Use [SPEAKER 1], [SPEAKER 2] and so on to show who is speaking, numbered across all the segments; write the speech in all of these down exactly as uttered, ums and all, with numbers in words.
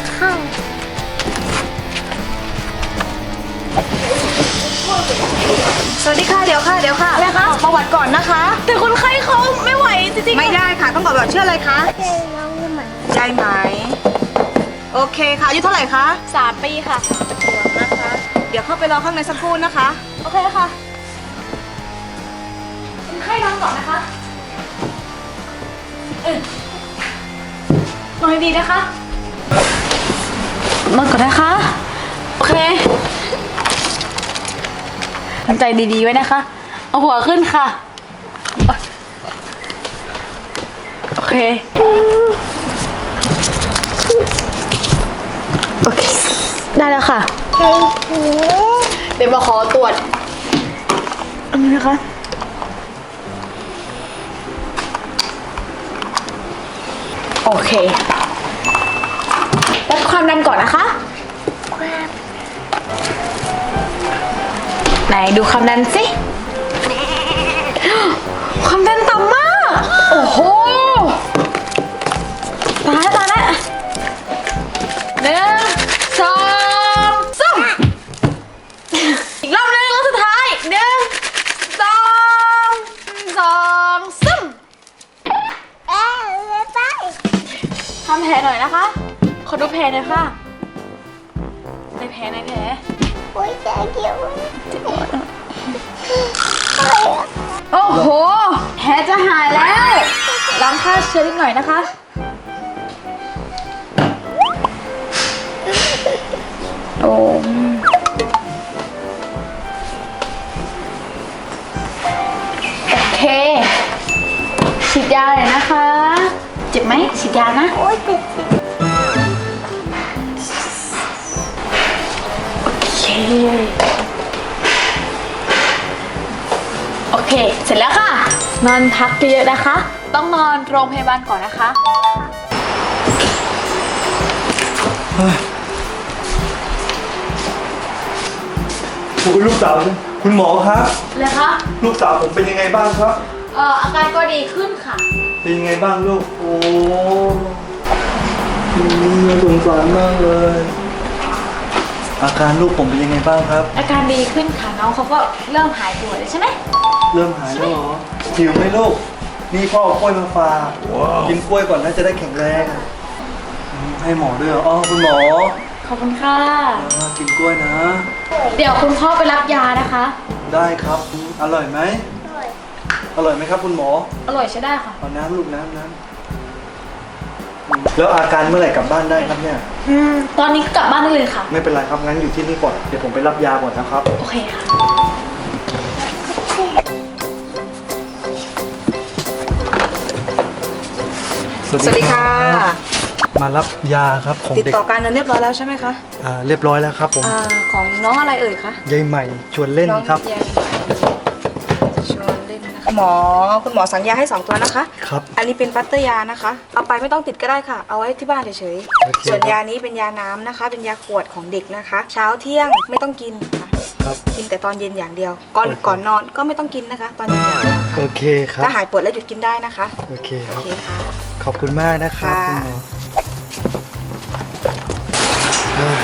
[SPEAKER 1] ค่ะ
[SPEAKER 2] สวัสดีค่ะเดี๋ยวค่ะเดี๋ยวค่ะอะไรคะประวัติก่อนนะคะแต่คนไข้เขาไม่ไหวจริงๆไม่ได้ค่ะต้องบอกแบบชื่ออะไรคะ
[SPEAKER 1] เป็นน้องยี่หมัน
[SPEAKER 2] ยายไหมโอเคค่ะอายุเท่าไหร่คะ
[SPEAKER 3] สามปีค่ะ
[SPEAKER 2] ขวบนะคะ เดี๋ยวเข้าไปรอข้างในสักครู่นะคะ
[SPEAKER 3] โอเคค่ะคนไข้นอนก่อนนะคะเออนอนดีๆนะคะนอนก่อนนะคะโอเคทำใจดีๆไว้นะคะเอาหัวขึ้นค่ะโอเคโอเคได้แล้วค่ะ
[SPEAKER 1] ใช่หู
[SPEAKER 3] เดี๋ยวมาขอตรวจอันนี้นะคะโอเควัดความดันก่อนนะคะไหนดูความดันสิความดันต่ำมากโอ้โหตายแล้วตายแล้วหนึ่งสองสามอีกรอบหนึงรอบสุดท้ายหนึ่งสองสองสาม
[SPEAKER 1] เอ๊ะเลยไป
[SPEAKER 3] ทำแผลหน่อยนะคะขอดูแผลหน่อยค่ะในแผลในแผล
[SPEAKER 1] โอ้ยแกเกี่ยว
[SPEAKER 3] โอ้โหแผลจะหายแล้วล้างฆ่าเชื้อนิดหน่อยนะคะโอ้โอเคฉีดยาเลยนะคะเจ็บไหมฉีดยานะ
[SPEAKER 1] โอ้ยติดติด
[SPEAKER 3] โอเคโอเค เสร็จแล้วค่ะ นอนพักเยอะๆนะคะ ต้องนอนโรงพยาบาลก่อนนะคะ
[SPEAKER 4] คุณลูกสาวคุณหมอครับ
[SPEAKER 3] เลยคะ
[SPEAKER 4] ลูกสาวผมเป็นยังไงบ้างครับ
[SPEAKER 3] เอ่ออาการก็ดีขึ้นค่ะ
[SPEAKER 4] เป็นยังไงบ้างลูกโอ้อืมน่าสงสารมากเลย อาการลูกผมเป็นยังไงบ้างครับ
[SPEAKER 3] อาการดีขึ้นค่ะน้องเขาก็เริ่มหายปวดเลยใช่ไหม
[SPEAKER 4] เริ่มหายแล้วเหรอหิวไหมลูกนี่พ่อเอากล้วยมาฝากกินกล้วยก่อนนะจะได้แข็งแรงอืมให้หมอด้วยเหรออ๋อคุณหมอ
[SPEAKER 3] ขอบคุณค่ะ
[SPEAKER 4] อ่ากินกล้วยนะ
[SPEAKER 3] เดี๋ยวคุณพ่อไปรับยานะคะ
[SPEAKER 4] ได้ครับอร่อยไหมอร่อยไหมครับคุณหมอ
[SPEAKER 3] อร่อยใช้ได้ค่ะ
[SPEAKER 4] เอาน้ำลูกน้ำน้ำอืมแล้วอาการเมื่อไหร่กลับบ้านได้ครับเนี่ย
[SPEAKER 3] อืมตอนนี้กลับบ้านได้เลยค่ะ
[SPEAKER 4] ไม่เป็นไรครับงั้นอยู่ที่นี่ก่อนเดี๋ยวผมไปรับยาก่อนนะครับ
[SPEAKER 3] โอเคค่ะ
[SPEAKER 2] สวัสดีค่ะ
[SPEAKER 4] มารับยาครับของ
[SPEAKER 2] ติด
[SPEAKER 4] เด็ก
[SPEAKER 2] ต่อการเงินเรียบร้อยแล้วใช่ไหมคะ
[SPEAKER 4] อ่าเรียบร้อยแล้วครับผม
[SPEAKER 2] อ่าของน้องอะไรเอ่ยคะ
[SPEAKER 4] ยายใหม่ชวนเล่น
[SPEAKER 2] น้อง
[SPEAKER 4] ครับ
[SPEAKER 2] ยายชวนเล่นนะคะหมอคุณหมอสั่งยาให้สองตัวนะคะ
[SPEAKER 4] ครับ
[SPEAKER 2] อันนี้เป็นปัตเตอร์ยานะคะ เอาไปไม่ต้องติดก็ได้ค่ะ เอาไว้ที่บ้านเฉย
[SPEAKER 4] โอเค
[SPEAKER 2] ๆ ส่วนยานี้เป็นยาน้ำนะคะ เป็นยาขวดของเด็กนะคะ เช้าเที่ยงไม่ต้องกินค่ะ
[SPEAKER 4] ครับ
[SPEAKER 2] กินแต่ตอนเย็นอย่างเดียว ก่อน
[SPEAKER 4] โอเค
[SPEAKER 2] ก่อนนอนก็ไม่ต้องกินนะคะ ตอนเย็นอย่างเดียว
[SPEAKER 4] โอเคครับ
[SPEAKER 2] ถ้าหายปวดแล้วหยุดกินได้นะคะ
[SPEAKER 4] โอเคค
[SPEAKER 2] โอ
[SPEAKER 4] รับ
[SPEAKER 2] เคค่ะ
[SPEAKER 4] ขอบคุณมากนะครับ
[SPEAKER 2] ค่ะ
[SPEAKER 4] คุณหมอเอ้ย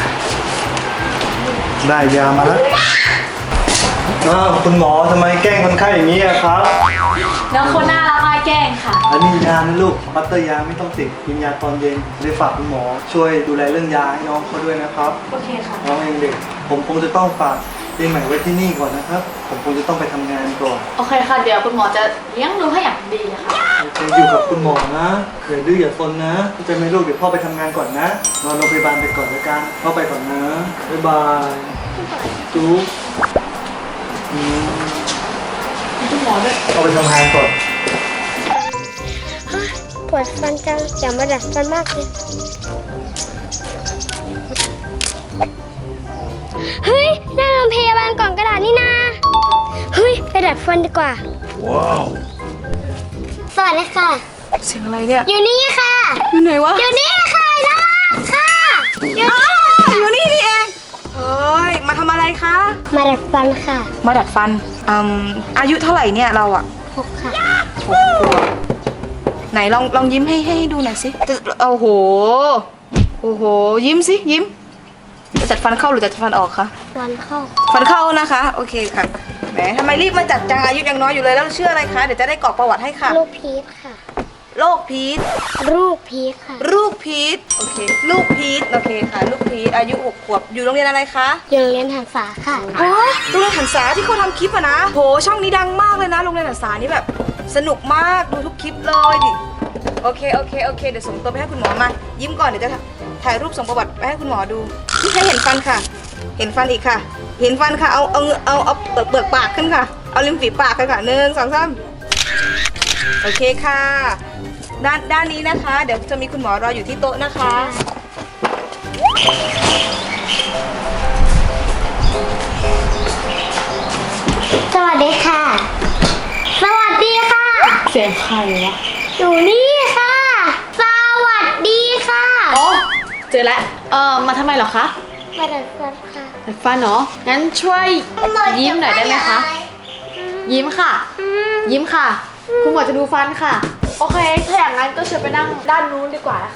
[SPEAKER 4] ได้ยามาแล้วอ้าวคุณหมอทำไมแกล้งคนไข้อย่างนี้อะครับ
[SPEAKER 3] น้องคนน่ารักมากแกล้งค่ะ
[SPEAKER 4] อันนี้ยานะลูกปัตเตอร์ยาไม่ต้องติดกินยาตอนเย็นเลยฝากคุณหมอ ช่วยดูแลเรื่องยาให้น้องเขาด้วยนะครับ
[SPEAKER 3] โอเคค่ะ
[SPEAKER 4] น้องยังเด็ก ผมคงจะต้องฝากปีใหม่ไว้ที่นี่ก่อนนะครับ ผมคงจะต้องไปทำงานก่อน
[SPEAKER 3] โอเคค่ะ เดี๋ยวคุณหมอจะเลี้ยงดูให้อย่างดีค่ะ
[SPEAKER 4] โอเคอยู่กับคุณหมอนะอย่าดื้ออย่าซนนะเข้าใจไหมลูกเดี๋ยวพ่อไปทำงานก่อนนะนอนโรงพยาบาลไปก่อนแล้วกันพ่อไปก่อนนะบ๊ายบายจุ๊บอืม
[SPEAKER 3] คุณหมอด้วย
[SPEAKER 4] เอาไปทำงานก่อน
[SPEAKER 1] ปวดฟันจังอย่ามาดัดฟันมากเลยเฮ้ยหน้าโรงพยาบาลกล่องกระดาษนี่นาเฮ้ยไปดัดฟันดีกว่าว้าวสวัสดีค่ะ
[SPEAKER 2] เสียงอะไรเนี่ย
[SPEAKER 1] อยู่นี่ค่ะ
[SPEAKER 2] อยู่ไหนวะ
[SPEAKER 1] อยู่นี่ค่ะนะค่ะอยู่
[SPEAKER 2] อ้าวอยู่นี่นี่เองเฮ้ยมาทำอะไรคะ
[SPEAKER 1] มาดัดฟันค่ะ
[SPEAKER 2] มาดัดฟันอืมอายุเท่าไหร่เนี่ยเราอะ
[SPEAKER 1] หกค่ะ
[SPEAKER 2] หกขวบไหนลองลองยิ้มให้ให้ดูหน่อยสิจะโอ้โหโอ้โหยิ้มสิยิ้มจะจัดฟันเข้าหรือจะจัดฟันออกคะ
[SPEAKER 1] วันเข้า
[SPEAKER 2] ฟันเข้านะคะโอเคค่ะแหมทำไมรีบมาจัดจังอายุยังน้อยอยู่เลยแล้วชื่ออะไรคะเดี๋ยวจะได้กรอกประวัติให้ค่ะ
[SPEAKER 1] ลูกพีทค่ะ
[SPEAKER 2] โรคพีท
[SPEAKER 1] ลูกพีทค่ะ
[SPEAKER 2] ลูกพีทโอเคลูกพีทโอเคค่ะลูกพีทอายุหกขวบอยู่โรงเรียนอะไรคะ
[SPEAKER 1] ยังเรียนหันษาค่ะ
[SPEAKER 2] อ๋อโรงเรียนหันษาที่เขาทำคลิปอะนะโหช่องนี้ดังมากเลยนะโรงเรียนหันษานี่แบบสนุกมากดูทุกคลิปเลยดิโอเคโอเคโอเคเดี๋ยวส่งตัวไปให้คุณหมอมายิ้มก่อนเดี๋ยวจะถ่ายรูปส่งประวัติไปให้คุณหมอดูนี่ให้เห็นฟันค่ะ เห็นฟันอีกค่ะ เห็นฟันค่ะเอาเอาเอาเอาเปลือกเปลือกปากขึ้นค่ะเอาริมฝีปากกันค่ะหนึ่งสองสามโอเคค่ะด้านด้านนี้นะคะ เดี๋ยวจะมีคุณหมอรออยู่ที่โต๊ะนะคะ
[SPEAKER 1] สวัสดีค่ะ สวัสดีค่ะ
[SPEAKER 3] เสียงใครวะ
[SPEAKER 1] อยู่นี่ค่ะ สวัสดีค่ะ
[SPEAKER 3] อ๋อเจอแล้วเออมาทำไมเหรอคะ
[SPEAKER 1] มาดัดฟันค่ะ
[SPEAKER 3] ดัดฟันเหรองั้นช่วยยิ้มหน่อยได้ไหมคะ ยิ้มค่ะ ยิ้มค่ะ คุณหมอจะดูฟันค่ะ โอเค ถ้าอย่างนั้นก็เชิญไปนั่งด้านนู้นดีกว่านะคะ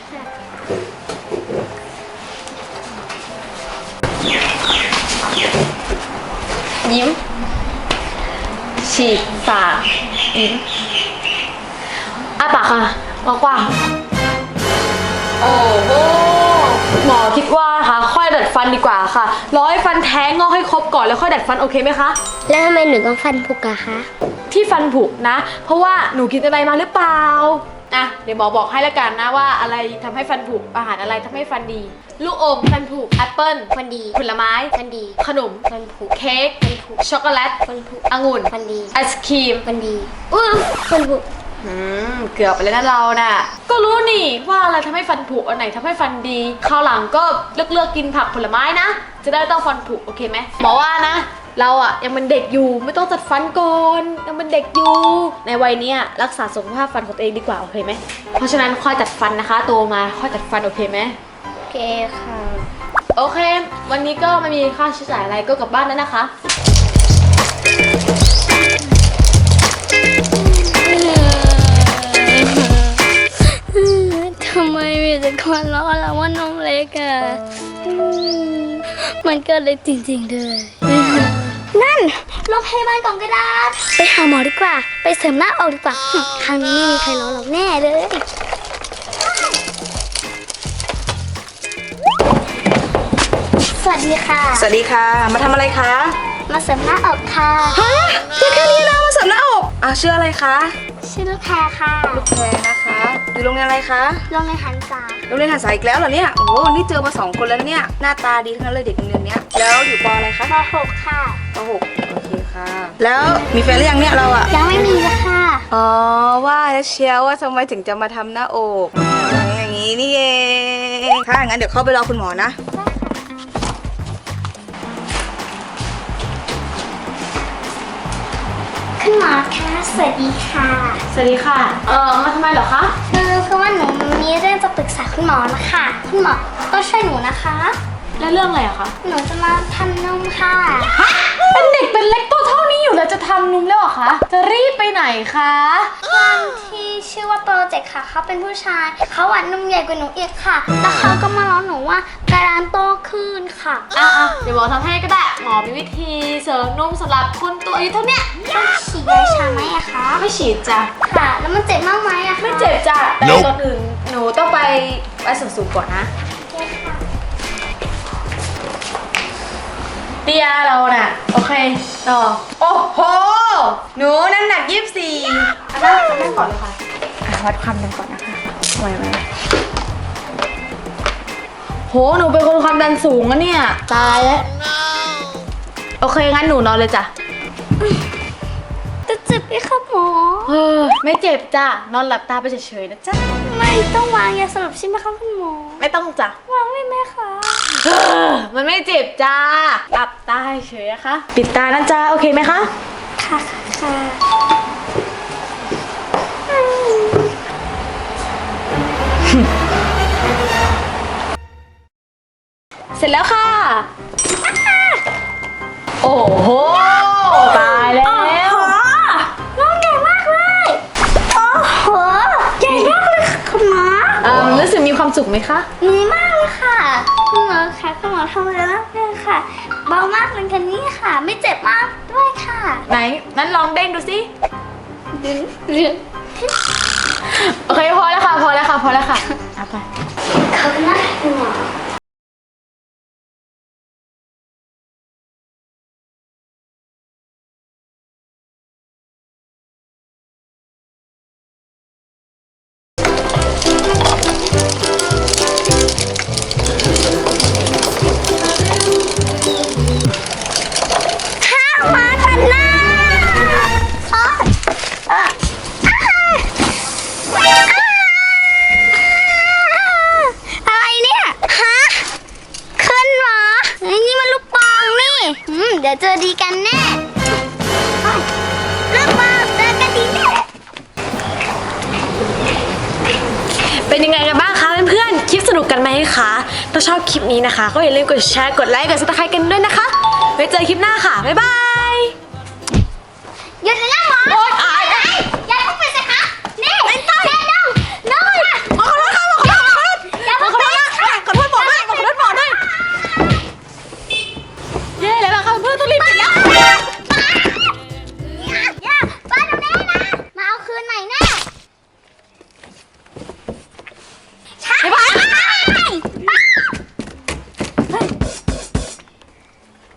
[SPEAKER 3] ยิ้ม ฉีกปากยิ้มอ้าปากค่ะกว้างๆโอ้โหหมอคิดว่าค่ะค่อยดัดฟันดีกว่าค่ะรอให้ฟันแท้งงอกให้ครบก่อนแล้วค่อยดัดฟันโอเคไหมคะ
[SPEAKER 1] แล้วทำไมหนูต้องฟันผุกอะคะ
[SPEAKER 3] ที่ฟันผุนะ เพราะว่าหนูกินอะไรมาหรือเปล่าอ่ะเดี๋ยวหมอบอกให้ละกันนะว่าอะไรทำให้ฟันผุอาหารอะไรทำให้ฟันดี ลูกอมฟันผุแอปเปิ้ล
[SPEAKER 1] ฟันดี
[SPEAKER 3] ผลไม้
[SPEAKER 1] ฟันดี
[SPEAKER 3] ขนม
[SPEAKER 1] ฟันผุ
[SPEAKER 3] เค้ก
[SPEAKER 1] ฟันผุ
[SPEAKER 3] ช็อกโกแลต
[SPEAKER 1] ฟันผุ
[SPEAKER 3] องุ่น
[SPEAKER 1] ฟันดี
[SPEAKER 3] ไอศครีม
[SPEAKER 1] ฟันดีอุ้ยฟันผุ
[SPEAKER 3] อืมเกือบไปแล้วนะเราน่ะก็รู้นี่ว่าอะไรทำให้ฟันผุอันไหนทำให้ฟันดีคราวหลังก็เลือกเลือกกินผักผลไม้นะจะได้ต้องฟันผุโอเคไหมหมอว่านะเราอะยังเป็นเด็กอยู่ไม่ต้องจัดฟันก่อนยังเป็นเด็กอยู่ในวัยเนี้ยรักษาสุขภาพฟันของตัวเองดีกว่าโอเคไหมเพราะฉะนั้นค่อยจัดฟันนะคะโตมาค่อยจัดฟันโอเคไหม
[SPEAKER 1] โอเคค่ะ
[SPEAKER 3] โอเค วันนี้ก็ไม่มีค่าใช้จ่ายอะไรก็กลับบ้านแล้วนะคะ
[SPEAKER 1] ทำไมมีแต่คนล้อเราว่านมเล็กอะมันก็เล็กจริงๆเลยนั่นโรงพยาบาลกล่องกระดาษ ไปหาหมอดีกว่า ไปเสริมหน้าอกดีกว่าหึครั้งนี้ไม่มีใครล้อเราแน่เลย สวัสดีค่ะ
[SPEAKER 2] สวัสดีค่ะมาทำอะไรคะ
[SPEAKER 1] มาเสริมหน้าอกค่ะ
[SPEAKER 2] ฮะแค่แค่นี้นะมาเสริมหน้าอกอ่ะชื่ออะไรคะ
[SPEAKER 1] ชื่อลูกแพรค่ะ
[SPEAKER 2] ลูกแพรนะคะอยู่โรงเรียนอะไรคะ
[SPEAKER 1] โรงเรียนหันษา
[SPEAKER 2] โรงเรียนหันษาอีกแล้วเหรอเนี่ยโอ้โหนี่เจอมาสองคนแล้วเนี่ยหน้าตาดีทั้งนั้นเลยเด็กโรงเรียนเนี้ยแล้วอยู่ปอะไรคะ
[SPEAKER 1] มหกค่ะ
[SPEAKER 2] ปหกโอเคค่ะ แล้วมีแฟนหรือยังเนี่ยเราอะ
[SPEAKER 1] ยังไม่มีเลยค่ะ
[SPEAKER 2] อ๋อว่าแล้วเชียวว่าทำไมถึงจะมาทำหน้าอกอย่างนี้นี่เองค่ะงั้นเดี๋ยวเข้าไปรอคุณหมอนะ
[SPEAKER 1] คุณหมอคะสวัสดีค่ะ
[SPEAKER 3] สวัสดีค่ะ เออมาทำไมเหรอคะ
[SPEAKER 1] คือคือว่าหนูมีเรื่องจะปรึกษาคุณหมอนะคะ คุณหมอต้องช่วยหนูนะคะ
[SPEAKER 3] แล้วเรื่องอะไรอะคะ
[SPEAKER 1] หนูจะมาทำนมค่ะ
[SPEAKER 3] เป็นเด็กเป็นเล็กตัวเท่านี้อยู่แล้วจะทำนุ่มแล้วเหรอคะ จะรีบไปไหนคะ
[SPEAKER 1] คนที่ชื่อว่าโปรเจกต์ค่ะเขาเป็นผู้ชาย เขาหวานนมใหญ่กว่าหนูอีกค่ะ แล้วเขาก็มาล้อหนูว่ากระดานโตขึ้นค่ะ
[SPEAKER 3] อ่ะอ่ะเดี๋ยวหมอทำให้ก็ได้ หมอมีวิธีเสริมนุ่มสำหรับคนตัวอายุเท่าเนี้ย
[SPEAKER 1] ต้องฉีดยาชาไหมอะคะ
[SPEAKER 3] ไม่ฉีดจ้ะ
[SPEAKER 1] ค่ะ แล้วมันเจ็บมากไหมอะคะ
[SPEAKER 3] ไม่เจ็บจ้ะ แต่ก่อนอื่นหนูต้องไปไปส่วนสูงก่อนนะ
[SPEAKER 1] โอเคค่ะ
[SPEAKER 3] เตียเราน่ะ โอเคต่อ
[SPEAKER 2] โอ้โหหนูน้ำหนักยี่สิบสี่
[SPEAKER 3] อันนั้นอันนั้นก่อนเลยค่ะอ่ะวัดความดันก่อนนะคะไหวไหมโห หนูเป็นคนความดันสูงอะเนี่ย ตายแล้ว โอเค งั้นหนูนอนเลยจ้ะ
[SPEAKER 1] จะเจ็บไหมคะหมอ
[SPEAKER 3] เออไม่เจ็บจ้ะ นอนหลับตาไปเฉยๆนะจ๊ะ
[SPEAKER 1] ไม่ต้องวางยาสลบใช่ไหมคะคุณหมอ
[SPEAKER 3] ไม่ต้องจ้ะ
[SPEAKER 1] วางได้ไหมคะ
[SPEAKER 3] เออมันไม่เจ็บจ้า หลับตาเฉยๆนะคะ ปิดตานะจ๊ะ โอเคไหมคะ
[SPEAKER 1] ค่ะค่ะ
[SPEAKER 3] เสร็จแล้วค่ะ โอ้โห ตายแล้ว
[SPEAKER 1] น้องใหญ่มากเลย โอ้โห ใหญ่มากเลยค่ะคุณหมอ
[SPEAKER 3] เออรู้สึกมีความความสุขไหมคะ
[SPEAKER 1] มีมากเลยค่ะคุณหมอค่ะคุณหมอทำอะไรแล้วเนี่ยค่ะเบามากเลยค่ะนี่ค่ะ ไม่เจ็บมากด้วยค่ะ
[SPEAKER 3] ไหนงั้นลองเด้งดูสิ
[SPEAKER 1] ดึงเรื่อง
[SPEAKER 3] โอเคพอแล้วค่ะพอแล้วค่ะพอแล้วค่ะเอาไป
[SPEAKER 1] ขอบคุณมากค่ะคุณหมอ ข้าวมาตัดหน้าอ๋ออ่ะอ่ะอะไรเนี่ย ฮะ ขึ้นหรอไอ้นี่มันลูกปองนี่อืมเดี๋ยวเจอดีกันแน่อ้าวลูกปองเจอกันดีแน่
[SPEAKER 3] เป็นยังไงกันบ้างคะเพื่อนๆคลิปสนุกกันไหมคะถ้าชอบคลิปนี้นะคะ ก็อย่าลืมกดแชร์กดไลค์กดซับสไครต์กันด้วยนะคะไว้เจอคลิปหน้าค่ะบ๊ายบาย
[SPEAKER 1] หยุดเลยนะ